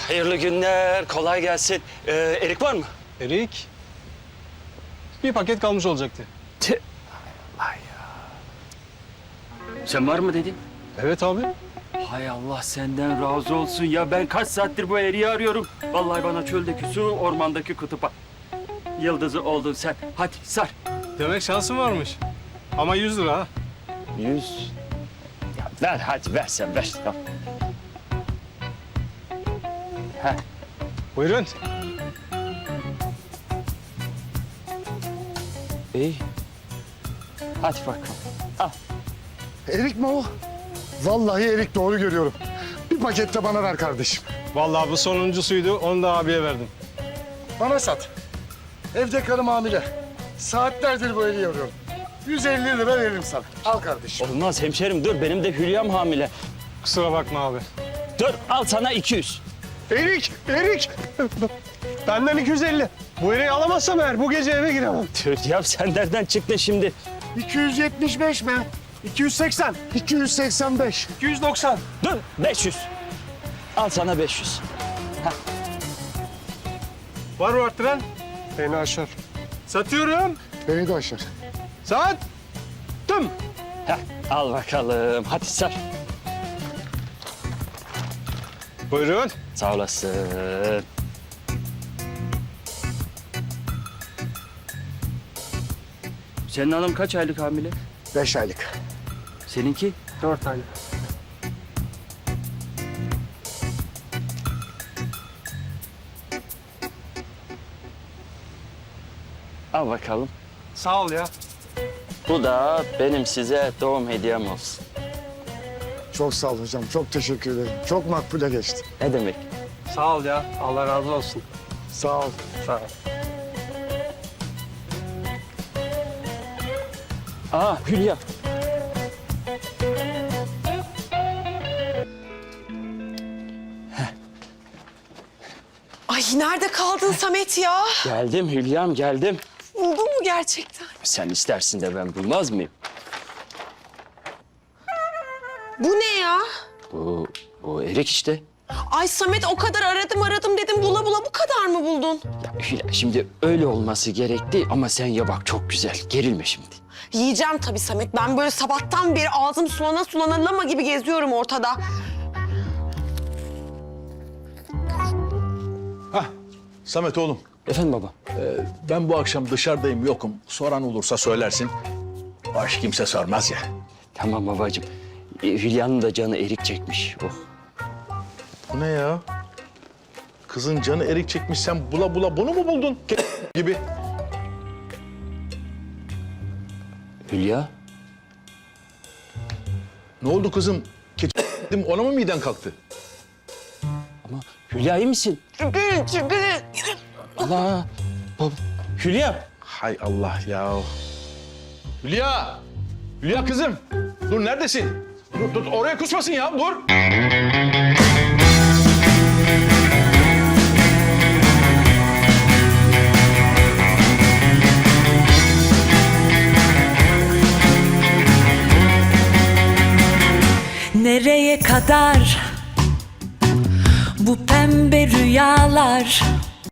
Hayırlı günler, kolay gelsin. Erik var mı? Erik. Bir paket kalmış olacaktı. Tüh. Ay ya. Sen var mı dedin? Evet abi. Hay Allah senden razı olsun ya. Ben kaç saattir bu eriği arıyorum. Vallahi bana çöldeki su, ormandaki kutupa. Yıldızı oldun sen. Hadi sar. Demek şansın varmış. Ama 100 lira ha. 100. Ya ver hadi ver sen ver. Tamam. Heh. Buyurun. İyi. Hadi bakalım. Al. Erik mi o? Vallahi erik, doğru görüyorum. Bir paket de bana ver kardeşim. Vallahi bu sonuncusuydu. Onu da abiye verdim. Bana sat. Evde karım hamile. Saatlerdir bu eriği arıyorum. 150 lira veririm sana. Al kardeşim. Olmaz hemşerim dur. Benim de Hülya'm hamile. Kusura bakma abi. Dur al sana 200. Erik, Erik. Benden 250. Bu eriği alamazsam eğer bu gece eve giremem. Tüh ya sen nereden çıktın şimdi? 275 mi? 280, 285. 290. Dur 500. Al sana 500. Var mı arttıran? Beni aşar. Satıyorum. Beni de aşar. Sattım. Heh, al bakalım. Hadi sar. Buyurun. Sağ olasın. Senin hanım kaç aylık hamile? 5 aylık. Seninki? 4 tane. Al bakalım. Sağ ol ya. Bu da benim size doğum hediyem olsun. Çok sağ ol hocam. Çok teşekkür ederim. Çok makbule geçti. Ne demek? Sağ ol ya. Allah razı olsun. Sağ ol. Sağ ol. Aa Hülya. Ay nerede kaldın Samet ya? Geldim Hülya'm geldim. Buldun mu gerçekten? Sen istersin de ben bulmaz mıyım? Bu ne ya? Bu erik işte. Ay Samet o kadar aradım dedim bula bula bu kadar mı buldun? Ya Hülya şimdi öyle olması gerekti ama sen ya bak çok güzel. Gerilme şimdi. Yiyeceğim tabii Samet. Ben böyle sabahtan beri ağzım sulana lama gibi geziyorum ortada. Hah, Samet oğlum. Efendim baba. Ben bu akşam dışarıdayım, yokum. Soran olursa söylersin. Baş kimse sormaz ya. Tamam babacığım. Hülya'nın da canı erik çekmiş. Oh. Bu ne ya? Kızın canı erik çekmiş, sen bula bula bunu mu buldun? Gibi. Hülya. Ne oldu kızım? Dedim, ona mı miden kalktı? Ama Hülya iyi misin? Çünkü Allah. Baba. Hülya. Hay Allah ya. Hülya! Hülya kızım! Dur, neredesin? Dur, oraya kusmasın ya, dur! Nereye kadar bu pembe rüyalar?